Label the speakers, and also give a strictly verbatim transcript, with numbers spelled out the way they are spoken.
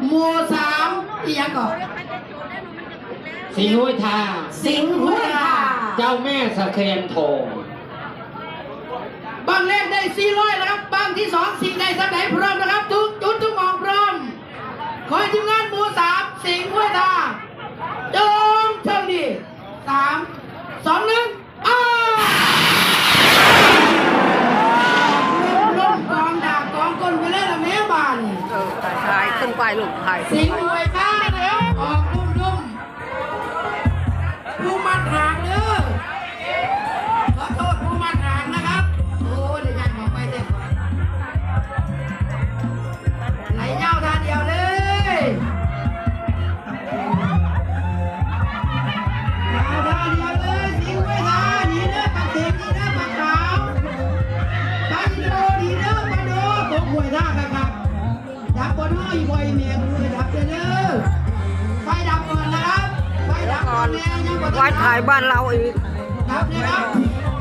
Speaker 1: หมู่สามอีกอย่างก่อน
Speaker 2: สิงห์ห้วยทา
Speaker 1: สิงห์ห้วยทา
Speaker 2: เจ้าแม่สะเคียนทอง
Speaker 1: บางเลขได้สี่ร้อยนะครับบางที่สองสิ่งใดสักไหนพร้อมนะครับทุกจุดทุกหมองพร้อมขอให้ทีมงานหมู่สามสิงห์ห้วยทาจงโชคดีสามสองหนึ่งอ้าวล้มกองดาบกองก้นไปเลยละแม่บ้าน
Speaker 3: เออถ่ายขึ้นไปลูกถ่าย
Speaker 1: สิงห์ห้วยทานะครับออกลุ่มลุ่มผู้มัดหางเด้อขอโทษผู้มัดหางนะครับโอ้เดี๋ยวยังบอกไปเด็กไหลเย้าท่าเดียวเลยเอาท่าเดียวเลยสิงห์ห้วยทาดีเด้อปากเข็มดีเด้อปากขาวปากโดดีเด้อปากโดตกห้วยทาครับดับบนห้อยบ่อยเมียกูเลยดับเด้อไฟดับก่อนนะครับไฟดับก่อนเนี่ยยังบ่
Speaker 3: ไว้ถ่ายบ้านเราอีก
Speaker 1: ดับเลยครับ